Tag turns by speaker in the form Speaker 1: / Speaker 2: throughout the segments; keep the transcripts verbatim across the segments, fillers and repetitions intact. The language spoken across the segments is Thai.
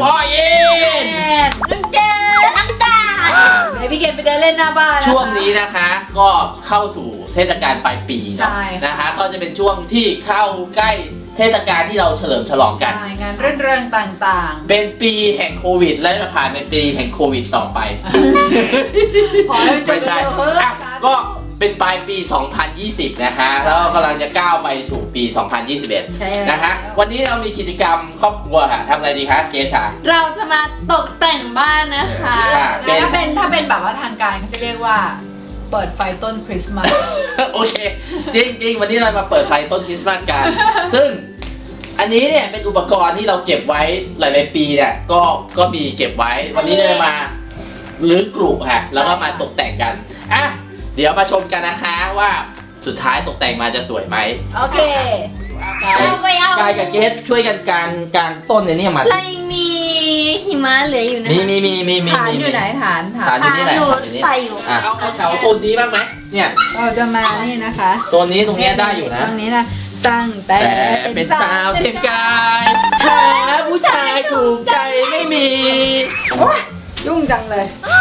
Speaker 1: พ่อเย็น
Speaker 2: น้ำเดือดน้ำตาลไหนพี่เกณฑ์ไปเดินเล่นหน้าบ้าน
Speaker 1: ช่วงนี้นะคะก็เข้าสู่เทศกาลปลายปี
Speaker 2: ใช่
Speaker 1: นะคะก็จะเป็นช่วงที่เข้าใกล้เทศกาลที่เราเฉลิมฉลองกัน
Speaker 2: ใช่งานเรื่องเรื่องต่าง
Speaker 1: เป็นปีแห่งโควิด และจะผ่านเป็นปีแห่งโควิดต่อไป
Speaker 2: ๆ ขอให้มันจบ
Speaker 1: ไม่ใช่
Speaker 2: เร็วๆเฮ้ย
Speaker 1: อ่ะก็เป็นปลายปี สองพันยี่สิบ นะคะแล้วกำลังจะก้าวไปสู่ปี สองพันยี่สิบเอ็ด
Speaker 2: ใช่แล้ว
Speaker 1: นะคะวันนี้เรามีกิจกรรมครอบครัวค่ะทำอะไรดีคะเกชา
Speaker 3: เราจะมาตกแต่งบ้านนะคะ
Speaker 1: อ่ะ
Speaker 2: แล้วถ้าเป็นถ้าเป็นแบบว่าทางการเขาจะเรียกว่าเปิดไฟต้นคริสต์มาส
Speaker 1: โอเค จริงๆ วันนี้เรามาเปิดไฟต้นคริสต์มาสกัน ซึ่งอันนี้เนี่ยเป็นอุปกรณ์ที่เราเก็บไว้หลายๆปีเนี่ยก็ก็มีเก็บไว้ วันนี้เลยมาลื้อกลุ่มค่ะแล้วก็มาตกแต่งกันอ่ะเดี๋ยวมาชมกันนะคะว่าสุดท้ายตกแต่งมาจะสวยไหม
Speaker 2: โอเค
Speaker 1: กาย
Speaker 3: เราไปเอา
Speaker 1: กายกับเกสช่วยกันกางกางต้นในนี่มา
Speaker 3: เรายังมีหิมะเหลืออยู่นะ
Speaker 1: มีมีมีมีมี
Speaker 2: ฐาน
Speaker 1: มี
Speaker 2: อยู่ไหนฐานฐา
Speaker 1: ฐาน
Speaker 2: น
Speaker 1: อยู่นี่แหละ
Speaker 3: ฐาน
Speaker 1: ฐานอยู่นี่
Speaker 3: ใส่อยู่
Speaker 1: อ่ะเอาเอาแถวโซนนี้บ้างไหมเนี่ย
Speaker 2: เราจะมานี่นะคะ
Speaker 1: โซนนี้ตรงเนี้ยได้อยู่นะ
Speaker 2: ตรงนี้นะตั้งแต่
Speaker 1: แต่เป็นสาวเทียมกายหาผู้ชายถูกใจไม่มี
Speaker 2: โอ๊ยยุ่งจังเลย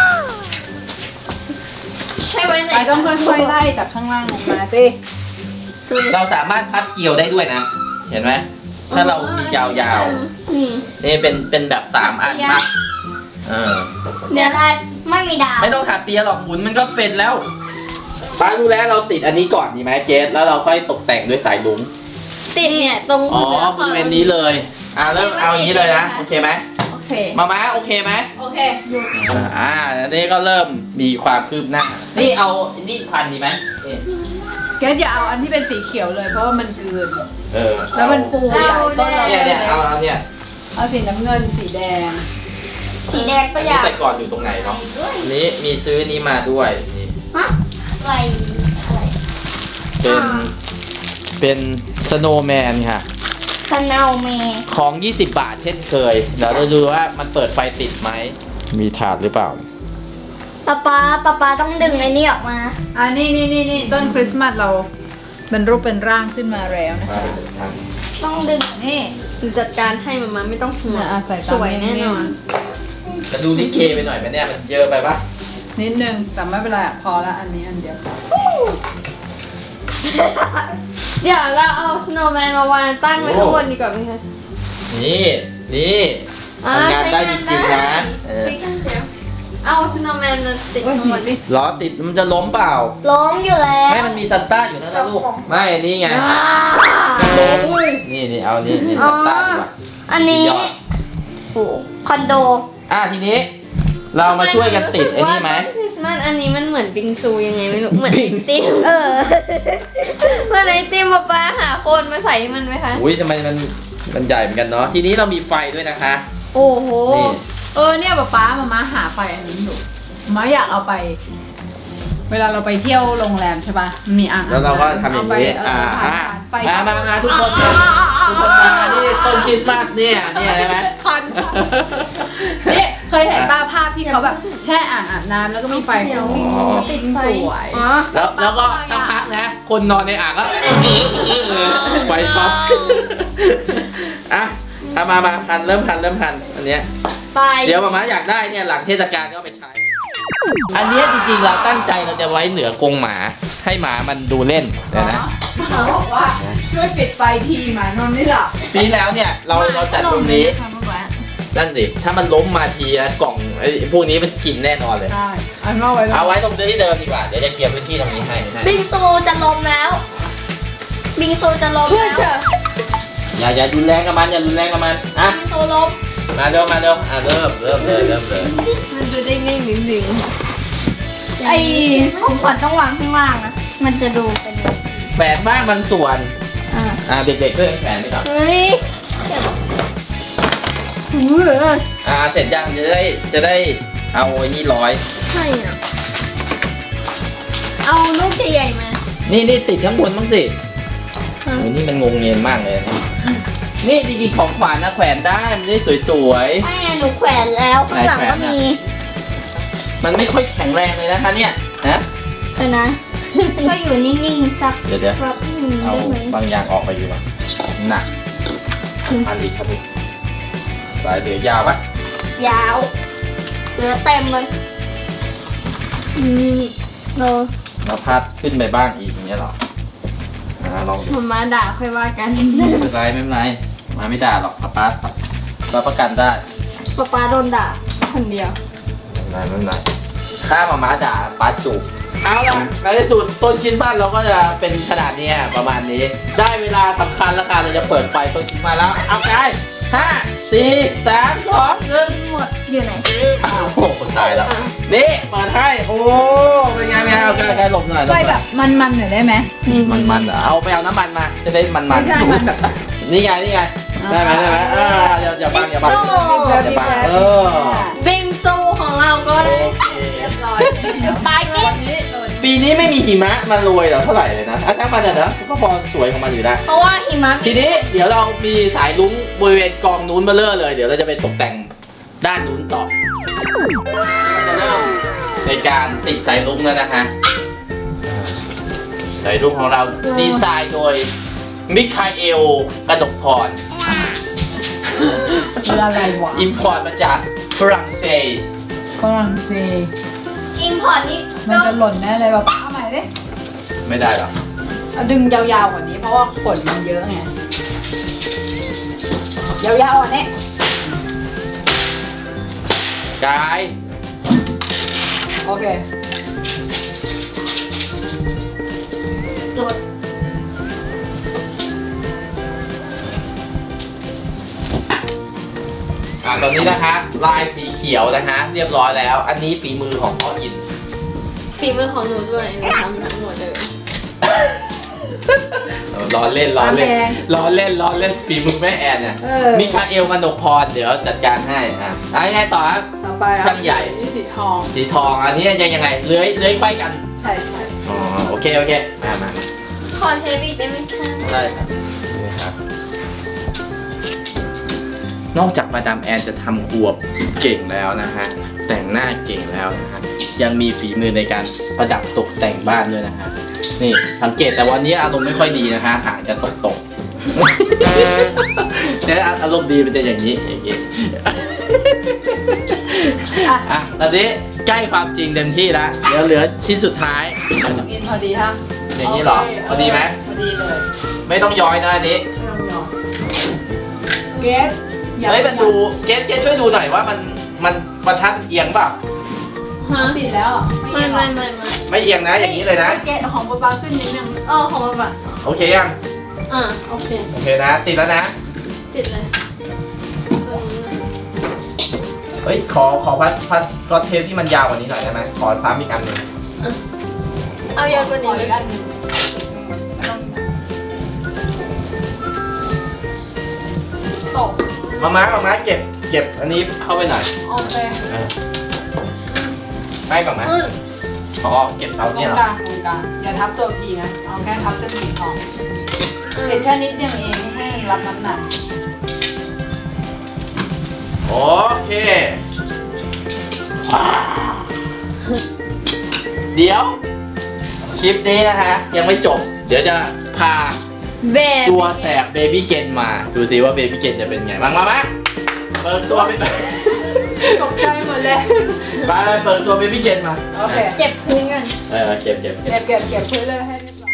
Speaker 3: ใช่ไว้ไหน
Speaker 2: ไปต้องค่อยๆไล่จากข้างล่างลงมาสิ
Speaker 1: เราสามารถพัดเกี่ยวได้ด้วยนะ เห็นไหมถ้าเรามียาว
Speaker 3: นี่
Speaker 1: ๆนี่เป็นเป็นแบบสามอันมากเออ
Speaker 3: เดี๋ยวเราไม่มีดาว
Speaker 1: ไม่ต้องถักเปียหรอกหมุนมันก็เป็นแล้วป้ารู้แล้วเราติดอันนี้ก่อนดีไหมเจสแล้วเราค่อยตกแต่งด้วยสายลุง
Speaker 3: ติดเนี่ยตรง
Speaker 1: อ๋อบริเวณนี้เลยอ่าเริ่มเอาอย่างนี้เลยนะโอเคไหม
Speaker 2: โอเค
Speaker 1: มาม้าโอเคไหม
Speaker 2: โอเค
Speaker 1: อ่าอันนี้ก็เริ่มมีความคืบหน้า นี่เอานี่พันดีไหมนี่
Speaker 2: เกสอย่าเอาอันที่เป็นสีเขียวเลยเพราะว่ามันอืด
Speaker 1: เออ
Speaker 2: แล้วมันฟูใหญ่ต้นเรา
Speaker 1: เนี่ยเนี่ยเอาเอาเนี่ย
Speaker 2: เอาสีน้ำเงินสีแดง
Speaker 3: สีแดงก็
Speaker 1: อัน
Speaker 3: อ
Speaker 1: นี้
Speaker 3: ยาก
Speaker 1: แต่ก่อนอยู่ตรงไหนเนาะอันนี้มีซื้อนี้มาด้วยนี่
Speaker 3: ฮะอะไรอะไร
Speaker 1: เป็นเป็นสโนว์แมนค่ะ
Speaker 3: คานาเม
Speaker 1: ของ ยี่สิบบาทเช่นเคย เดี๋ยวเราดูว่ามันเปิดไฟติดไหม มีถาดหรือเปล่า
Speaker 3: ป๊าป๊าป๊าป๊าต้องดึงไอ้นี่ออกมา
Speaker 2: อ่านี่นี่นี่นี่ต้นคริสต์มาสเราเป็นรูปเป็นร่างขึ้นมาแล้วนะคะ
Speaker 3: ต้องดึง
Speaker 2: นี่
Speaker 3: จัดการให้มามาไม่ต้องห่วง
Speaker 2: อ่ะใส่ตาม
Speaker 3: สวยแน่นอน
Speaker 1: จะดูลิเกไปหน่อยไหมเนี่ย มันเยอะไปปะ
Speaker 2: นิดนึงแต่ไม่เป็นไรอ่ะพอละอันนี้อันเดียว
Speaker 3: เดี๋ยวเราเอาสโนว์แมนมาวางตั้งไว้ข้างบนดีกว่าไหมคะ
Speaker 1: นี่ นี่
Speaker 3: อ่
Speaker 1: ทำงานได้จริงๆนะเออ
Speaker 3: เอาสโนว์แมนมาติด
Speaker 2: โอ้ย
Speaker 3: ข้างบน
Speaker 2: ดิ
Speaker 1: ล้อติดมันจะล้มเปล่า
Speaker 3: ล้มอยู่แล้ว
Speaker 1: ไม่มันมีซันต้าอยู่นั่นนะลูก ไม่นี่ไง นี่นี่เอานี่นี่
Speaker 3: อ๋อ
Speaker 1: ซันต้าดีกว่า
Speaker 3: อันนี้
Speaker 1: ยอด
Speaker 3: โอ้คอนโด
Speaker 1: อ่ะทีนี้ เรามาช่วยกันติดไอ้นี่ไหม
Speaker 3: คริสต์มาสอันนี้มันเหมือนบิงซูยังไงไม่รู้ เหมือน
Speaker 1: บิ
Speaker 3: ไอง
Speaker 1: ซู
Speaker 3: ติมเออเหมือนไอติมป๊าป๊าหาโคนมาใส่ให้มันไหมคะ
Speaker 1: อุ้ยทำไมมันมันใหญ่เหมือนกันเนาะ ทีนี้เรามีไฟด้วยนะคะ
Speaker 3: โอ้โห
Speaker 1: นี่
Speaker 2: เออเนี่ยป๊าป๊ามามาหาไฟอันนี้อยู่มาอยากเอาไป เวลาเราไปเที่ยวโรงแรมใช่ป่ะมีอ่าง
Speaker 1: แล้วเราก็ทำอย่างนี้
Speaker 2: เ
Speaker 1: อ่า
Speaker 2: เ
Speaker 1: อ่า
Speaker 2: ไป
Speaker 1: มามามาทุกคนมาทุกคนมาที่ต้นคริสต์มาสเนี่ยเนี่ยได้ไหม
Speaker 2: คันนี่เคยเห็นป้าภาพที่เขาแบบแช่อ่างอาบน้ำแล้วก็มีไฟ
Speaker 3: เดี๋ยว
Speaker 2: ฟุ้ง
Speaker 1: อ๋อ
Speaker 2: ๆติดสวย
Speaker 3: อ๋อ
Speaker 1: แล้วแล้วก็สักพักนะ คนนอนในอ่างก็ไฟช็อตอ่ะเอามามาพันเริ่มพันเริ่มพันอันเนี้ย
Speaker 3: ไป
Speaker 1: เดี๋ยวมาม่าอยากได้เนี่ยหลังเทศกาลก็เอาไปใช้ อันเนี้ยจริงๆเราตั้งใจเราจะไว้เหนือกรงหมาให้หมามันดูเล่นเดี๋ยวนะ
Speaker 2: หมาบอกว่าช่วยปิดไฟทีหมานอนไม่หลับ
Speaker 1: ปีแล้วเนี่ยเราเราจัดตรงนี้นั่นสิถ้ามันล้มมาทีนะกล่องไอ้พวกนี้มันกินแน่นอนเลย
Speaker 2: ใช่อันว่าไว้
Speaker 1: เอาไว้ตรงที่เดิมดีกว่าเดี๋ยวจะเคลียร์พื้นที่ตรงนี้ให้ให้
Speaker 3: บิงซูจะล้มแล้ว บิงซูจะล้ม
Speaker 2: เพื่อ
Speaker 3: แล้ว
Speaker 2: จะ
Speaker 1: อย่าอย่ารุนแรงกับมันอย่ารุนแรงกับมันอ่ะ
Speaker 3: บิงซูล้ม
Speaker 1: มาเร็วมาเร็วอ่ะเริ่มเริ่มเลยเริ่มเลย
Speaker 3: มันจะได้นิ่งๆดึง
Speaker 4: ไอ้ของขวัญต้องวางข้างล่างนะ มันจะดูเป็นแบบ
Speaker 1: แฝงบ้างบางส่วน
Speaker 4: อ่า
Speaker 1: อ่ะเด็กๆก็ยังแฝงไปก่อน
Speaker 3: เฮ้ย
Speaker 4: หือ
Speaker 1: อ่ะเสร็จยังจะได้จะได้เอาไอ้นี่ร้อย
Speaker 3: ใช่อ่ะ เอาลูกใหญ่ๆมา
Speaker 1: นี่นี่ติดข้างบนบ้างสิโอ้ยนี่มันงงเงียนมากเลยนะนี่จริงๆของขวัญนะแขวนได้มันได้สวย
Speaker 4: ไม่ไงหนูแขวนแล้วข้างหลังก็มี
Speaker 1: ๆมันไม่ค่อยแข็งแรงเลยนะคะเนี่ยฮะ
Speaker 4: เออนะก็อยู่นิ่งๆสัก
Speaker 1: เดี๋ยวเดี๋ยว
Speaker 4: แป๊บหนึง
Speaker 1: เอา
Speaker 4: ได้ไหม
Speaker 1: บางอย่างออกไปดีกว่าหนักพันดิครับพี่สายเหลือยาวปะ
Speaker 4: ยาวเหลือเต็มเลย
Speaker 3: นี่เรา
Speaker 1: เราพัดขึ้นไปบ้างอีกอย่างเงี้ยเหรออ่าลอง
Speaker 3: ผมมาด่าค่อยว่ากัน
Speaker 1: ไม่เป็นไรไม่เป็นไรมาไม่ด่าหรอกป้าป้าป้าประกันได้
Speaker 4: ป๊าป๊าโดนด่า
Speaker 3: คนเดียว
Speaker 1: ไม่เป็นไรไม่เป็นไรถ้ามาม้าด่าป้าจูบเอาล่ะในที่สุดต้นชิ้นบ้านเราก็จะเป็นขนาดนี้ประมาณนี้ ได้เวลาสำคัญแล้วกันเราจะเปิดไฟต้นชิ้นมาแล้วเอาไงห้าสี่สามสองหนึ่ง
Speaker 4: หมดอยู่ไหน
Speaker 1: อ้าวโอ้คนตายแล้วนี่เปิดให้โอ้เป็นไงเป็นไงเอาใกล้ใกล้หลบหน่อยหล
Speaker 2: ไฟ
Speaker 1: บห
Speaker 2: แบ
Speaker 1: น่อย
Speaker 2: บมันๆหน่อยได้ไหม
Speaker 3: นี่
Speaker 1: มันมันเหรอเอาไปเอาน้ำมันมาจะได้มันมัน
Speaker 2: ไม่ใช่มันแบบ
Speaker 1: นี่ไงนี่ไงได้ไหมได้ไหมเอออย่าอย่าบังอย่าบังอย่าบังเออ
Speaker 3: บิงซูของเราก็ได้
Speaker 1: โอเค
Speaker 3: เรียบร้อยแล้ว
Speaker 4: ปลายกิ๊บ
Speaker 1: ปีนี้ไม่มีหิมะมาโรยเหรอเท่าไหร่เลยนะอ่ะถ้ามันจะนะก็พอสวยของมันอยู่ได้
Speaker 4: เพราะว่าหิมะ
Speaker 1: ทีนี้เดี๋ยวเรามีสายลุ้งบริเวณกองนู้นมาเลอะเลย เดี๋ยวเราจะไปตกแต่งด้านนู้นต่อเราจะเริ่มในการติดสายลุ้งแล้วนะฮะสายลุ้งของเราดีไซน์โดยมิคาเอลกระดกพร
Speaker 2: คืออะไรวะ
Speaker 1: อิมพอร์ตมาจากฝรั่งเศส
Speaker 2: ฝรั่งเศส
Speaker 4: อิมพอร์ตนี่
Speaker 2: มันจะหล่นแน่เลยแบบเอาใหม่ดิ
Speaker 1: ไม่ได้หรอ
Speaker 2: เอาดึงยาวๆกว่านี้เพราะว่าขนมันเยอะไงยาวๆอ่ะเนี่ย
Speaker 1: กาย
Speaker 2: โอเค
Speaker 4: โดน
Speaker 1: อ่าตอนนี้นะคะลายสีเขียวนะคะเรียบร้อยแล้ว อันนี้ฝีมือของพ่ออิน
Speaker 3: ฝีมือของหนูด้วยหนูทำทั้งหมดเลย
Speaker 1: ล้อเล่นล้อเล่น
Speaker 2: แพง
Speaker 1: ล้อเล่นล้อเล่นฝีมือแม่แอนเนี่ย
Speaker 2: เออ
Speaker 1: มิคาเอลมันกพรเดี๋ยวจัดการให้อ่ะอ่ะยังไงต่อครับ
Speaker 2: ต่อไป
Speaker 1: ช่างใหญ่
Speaker 2: สีทอง
Speaker 1: สีทองอันนี้ยังยังไงเลื้อยเลื้อยไปกัน
Speaker 2: ใช่ใช่
Speaker 1: อ๋อโอเคโอเคมามามา
Speaker 3: ขอเทปอีกได้ไหมคะ
Speaker 1: ได้ครับนี่ครับ นอกจากมาดามแอนจะทำครัวเก่งแล้วนะฮะแต่งหน้าเก่งแล้วนะฮะยังมีฝีมือในการประดับตกแต่งบ้านด้วยนะฮะนี่สังเกตแต่วันนี้อารมณ์ไม่ค่อยดีนะคะหางจะตกตก เนี่ยอารมณ์ดีมันจะอย่างนี้อย่างนี้ อ่ะตอนนี้ใกล้ความจริงเต็มที่แล้วเดี๋ยวเหลือชิ้นสุดท้าย
Speaker 2: อินพอดีฮะ
Speaker 1: อย่างนี้เหรอ
Speaker 2: โค
Speaker 1: พอดีไหม
Speaker 2: พอดีเลย
Speaker 1: ไม่ต้องย้อยนะอันนี้
Speaker 2: ไม่ต้องยอมเกส
Speaker 1: เฮ้ยมันดูเกสเกสช่วยดูหน่อยว่ามันมันบรรทัดเอียงเปล่า
Speaker 3: ฮะ
Speaker 2: ติดแล้วอ่ะ
Speaker 3: ไม่ไม่ไม่ไม่
Speaker 1: ไม่เอียงนะอย่างนี้เลยนะ
Speaker 2: เกสของป๊าป๊าขึ้นนิดนึง
Speaker 3: เออของมันแบบ
Speaker 1: โอเคยัง
Speaker 3: อ่าโอเค
Speaker 1: โอเคนะ ติดแล้วนะ
Speaker 3: ติดเลย
Speaker 1: เฮ้ยขอขอพัดพัดก็เทปที่มันยาวกว่านี้หน่อยได้ไหมขอซ้ำอีกอันหนึ่ง
Speaker 3: เอายาวกว่า
Speaker 2: ข
Speaker 3: นี้
Speaker 2: อ
Speaker 3: ไหม
Speaker 2: อีกอันหนึ่ง ตก
Speaker 1: มาม้ามาม้าเก็บเก็บอันนี้เข้าไปหน่อย
Speaker 2: โอเค
Speaker 1: เออไม่ก่อนไหม
Speaker 3: อืม
Speaker 1: อ๋อเก็บเอา
Speaker 2: ตร
Speaker 1: เนี่
Speaker 2: ง
Speaker 1: ยเหร
Speaker 2: ก
Speaker 1: อ
Speaker 2: ลางตรงกลางอย่าทับตัวพีนะ เอาแค่ทับเส้นสีทองเด็ดแค่นิดเดียวเองให้มันรับน้ำหนัก
Speaker 1: โอเคว้าวเดี๋ยวคลิปนี้นะฮะยังไม่จบ เดี๋ยวจะพา
Speaker 3: เบน
Speaker 1: ตัวแสบเบบี้เกนมา ดูสิว่าเบบี้เกนจะเป็นไงบ้างมาไหมเปิดตัวไป
Speaker 2: ตกใจหมดเลย
Speaker 1: ไปเปิดตัวเบบี้เกนมา
Speaker 2: โอเค
Speaker 3: เก็บพื้นกัน
Speaker 1: เออเก็บเก็บเก็บ
Speaker 2: เก็บเก็บเก็บพื้นเลยให้เรียบร้อย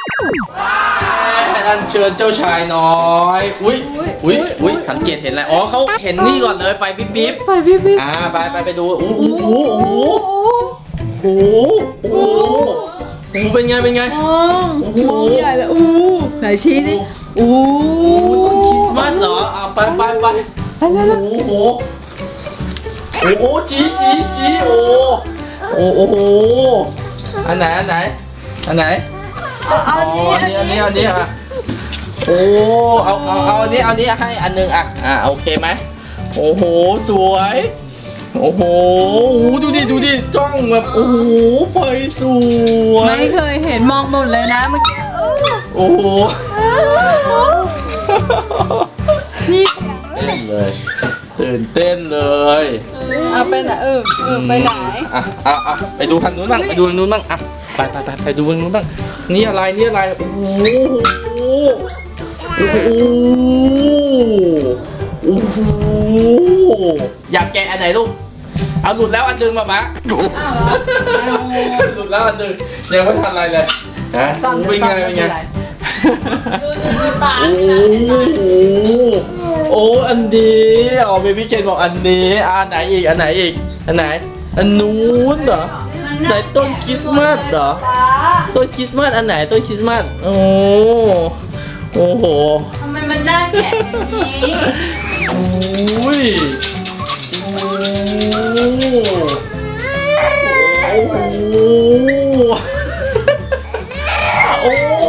Speaker 1: อันเชิญเจ้าชายน้อย อุ้ยอุ้ยอุ้ยสังเกตเห็นอะไรอ๋อเขาเห็นนี่ก่อนเลยไฟปิ๊บปิ๊บ
Speaker 2: ไปพี่พี่
Speaker 1: อ่าไปไปไปดูโอ้โหโอ้โหโอ้โหโอ้โหโอ้โหเป็นไงเป็นไง
Speaker 2: มองมองใหญ่เลยอู้ไหนชี้ดิอู้
Speaker 1: โอ้โหต้นคริสต์มาสเหรออ่าไปไปไป
Speaker 2: ไปแล้ว
Speaker 1: โอ้โหโอ้โหชี้ชี้ชี้โอ้โอ้โอ้โหอันไหนอันไหนอันไหน
Speaker 2: เอาเอาอันนี้
Speaker 1: อันนี้อันนี้อันนี้อ่ะโอ้เอาเอาเอาอันนี้เอาอันนี้ให้อันหนึงอ่ะอ่ะโอเคไหมโอ้โหสวยโอ้โหดูดิดูดิจ้องแบบโอ้โหไฟสวย
Speaker 2: ไม่เคยเห็นมองหมดเลยนะเมื่อกี้
Speaker 1: โอ้โห
Speaker 2: นี่
Speaker 1: เต้นเลยตื่นเต้นเลย
Speaker 2: เอาไปไหนเออเออไปไหน
Speaker 1: อ่ะอ่ะอ่ะไปดูทางนู้นบ้างไปดูทางนู้นบ้างอ่ะไปไปไปไปดูทางนู้นบ้างนี่อะไรนี่อะไรโอ้โหโอ้โหโอ้โหอยากแกะอันไหนลูกเอาหลุดแล้วอันหนึงมาปะ
Speaker 2: อ้าวเหรอเอา
Speaker 1: หลุดแล้วอันหนึงยังไม่ทันอะไรเลยฮะ
Speaker 2: ซ่อม
Speaker 1: เป็นไงเป็นไง
Speaker 3: ดูดูดูตา
Speaker 1: โอ้โหโอ้อันนี้อ๋อเบบี้เกนบอกอันนี้อ่าไหนอีกอันไหนอีกอันไหนอันนู้นเหรอไหนต้นคริสต์มาสเหรอต้นคริสต์มาสอันไหนต้นคริสต์มาสโอ้โอ้โห
Speaker 2: ทำไมมันน่าแกะอย่างนี้
Speaker 1: โอ้ยโอ้โหโอ้โห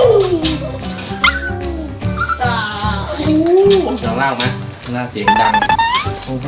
Speaker 3: ตา
Speaker 1: ข้างล่างไหมข้างล่างเสียงดัง โอ้โห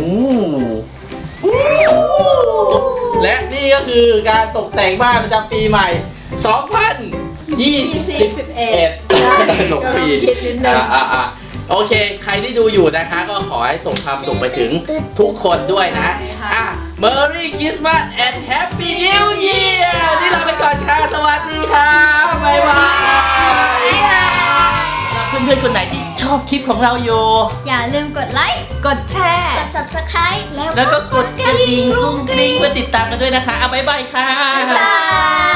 Speaker 1: และนี่ก็คือการตกแต่งบ้านประจำปีใหม่ สองพันยี่สิบเอ็ด หลงปีอ่าอ่าอ่าโอเค ใครที่ดูอยู่นะคะ ก็ขอให้ส่งความสุขไปถึงทุกคนด้วยนะ อ่ะ Merry Christmas and Happy New Year นี่เราไปก่อนค่ะ สวัสดีค่ะ บ๊ายบายเพื่อนๆคนไหนที่ชอบคลิปของเราอยู่
Speaker 3: อย่าลืมกดไลค์
Speaker 2: กดแชร์
Speaker 3: กด ซับสไครบ์ แล้ว
Speaker 1: แล้วก็กดกระดิ่งกุ้งกริ้งเพื่อติดตามกันด้วยนะคะ เอาบ๊ายบายค่ะ
Speaker 3: บ๊ายบาย